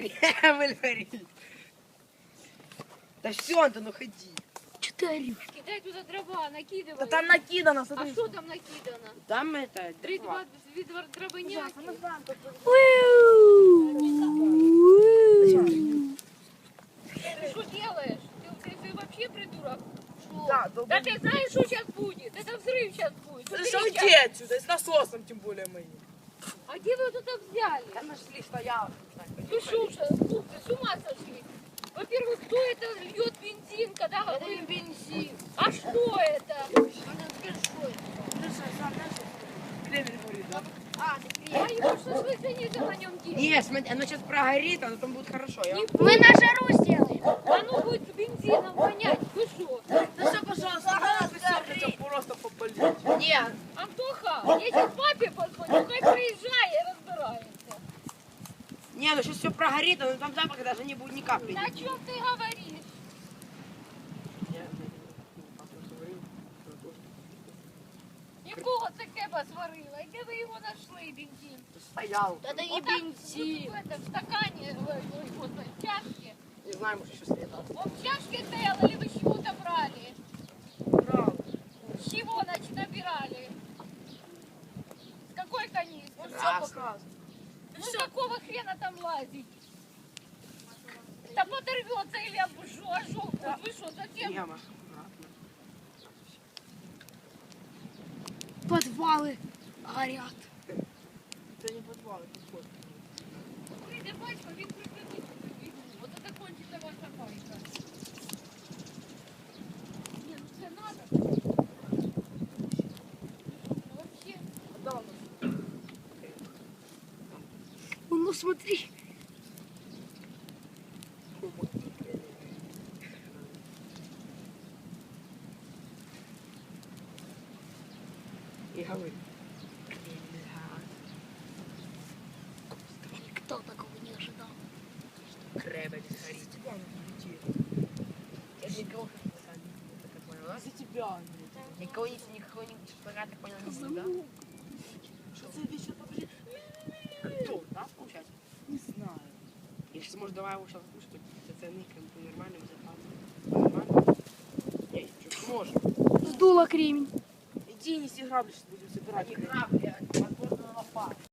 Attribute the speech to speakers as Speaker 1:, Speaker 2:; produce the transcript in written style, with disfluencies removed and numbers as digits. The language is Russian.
Speaker 1: Кремль горит. Да все, Антон, ну ходи.
Speaker 2: Че ты орешь?
Speaker 3: Кидай туда дрова, накидывай.
Speaker 1: Да там накидано,
Speaker 3: А
Speaker 1: смотри.
Speaker 3: что там накидано?
Speaker 1: Там это...
Speaker 3: Три-два дробыняки. Ты что делаешь? Ты вообще придурок? Что?
Speaker 1: Да,
Speaker 3: Да ты знаешь, что сейчас будет? Это взрыв сейчас будет.
Speaker 1: Да
Speaker 3: Смотри,
Speaker 1: что
Speaker 3: щас.
Speaker 1: уйди отсюда, с насосом тем более моим.
Speaker 3: А где вы его тут взяли?
Speaker 1: Да нашли, стоял.
Speaker 3: Вы что, с ума сошли? Во-первых, кто это льет бензин, когда
Speaker 2: Это не бензин.
Speaker 3: А что это?
Speaker 1: Кремль горит, да?
Speaker 2: А, ты
Speaker 3: А
Speaker 2: приехал.
Speaker 3: его что ж вы цените на нем делать?
Speaker 1: Нет, смотри, оно сейчас прогорит, а потом будет хорошо. Я...
Speaker 3: Не
Speaker 2: Мы на жару сделаем.
Speaker 3: Оно будет с бензином вонять. Вы что?
Speaker 1: Да все, пожалуйста, хотел просто попалить. Нет.
Speaker 3: Антоха, я сейчас папе позвоню, хай приезжай и разбирается.
Speaker 1: Не, ну сейчас все прогорит, но там запаха даже не будет ни капли.
Speaker 3: На чем ты говоришь? Якого це кеба сварила? І де ви його знайшли, бензин?
Speaker 1: Стоял.
Speaker 2: Это не
Speaker 3: Вот так,
Speaker 2: бензин.
Speaker 3: вот в этом стакане, в чашке.
Speaker 1: Не знаю, может еще следовало.
Speaker 3: Он в чашке стоял или вы с чего-то брали?
Speaker 1: Брал.
Speaker 3: С чего, значит, набирали? С какой канистры?
Speaker 1: Он все показывает.
Speaker 3: Ну какого хрена там лазить? Да подорвется или ожог будет. Вы что, зачем?
Speaker 1: Яма. Аккуратно.
Speaker 2: Подвалы горят.
Speaker 1: Это не подвал, это вход.
Speaker 3: Прийде батько, він прикритить цю війну. От це кончиться ваша байка. Ні, ну це надо. Вообще.
Speaker 1: Да, он
Speaker 2: Ну смотри.
Speaker 1: и говорит.
Speaker 2: Никто такого не ожидал.
Speaker 1: Кремль горит. Я же никого не посадил. Так понял, да? За тебя, Андрей. Никого не шпага, так понял, не за тебя. Что за вещь поближе? Кто, да, получается? Не знаю. Я сейчас, может, давай его сейчас слушать, цены нормально, безопасно. Нормально? Не, чуть можем.
Speaker 2: Сдуло кремень.
Speaker 1: Иди, неси грабли, сейчас будем собирать. Не грабли, а подборную лопату.